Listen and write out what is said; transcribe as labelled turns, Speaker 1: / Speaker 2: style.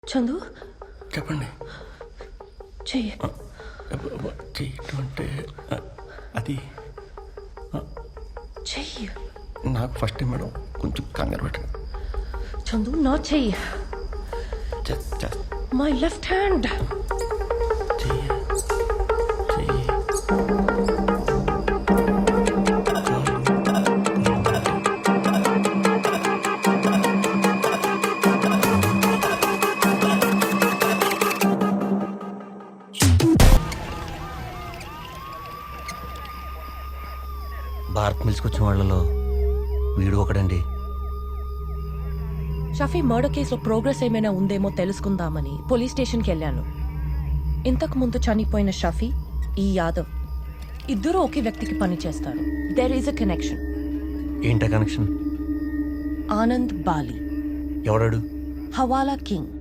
Speaker 1: చందు
Speaker 2: చెప్పండి.
Speaker 1: చెయ్యి.
Speaker 2: చేయటం అంటే అది
Speaker 1: చెయ్యి.
Speaker 2: నాకు ఫస్ట్ టైం మేడం, కొంచెం కంగారు పెట్టండి.
Speaker 1: చందు నా చెయ్యి. My left hand.
Speaker 2: చెయ్యి చెయ్యి
Speaker 3: భారత్ మిల్స్కొచ్చిన వాళ్ళలో వీడు ఒకడండి.
Speaker 1: షఫీ మర్డర్ కేసులో ప్రోగ్రెస్ ఏమైనా ఉందేమో తెలుసుకుందామని పోలీస్ స్టేషన్కి వెళ్ళాను. ఇంతకు ముందు చనిపోయిన షఫీ, ఈ యాదవ్ ఇద్దరూ ఒకే వ్యక్తికి పని చేస్తారు. There is a connection.
Speaker 3: ఏంటా కనెక్షన్?
Speaker 1: ఆనంద్ బాలి,
Speaker 3: ఎవడాడు?
Speaker 1: హవాలా కింగ్.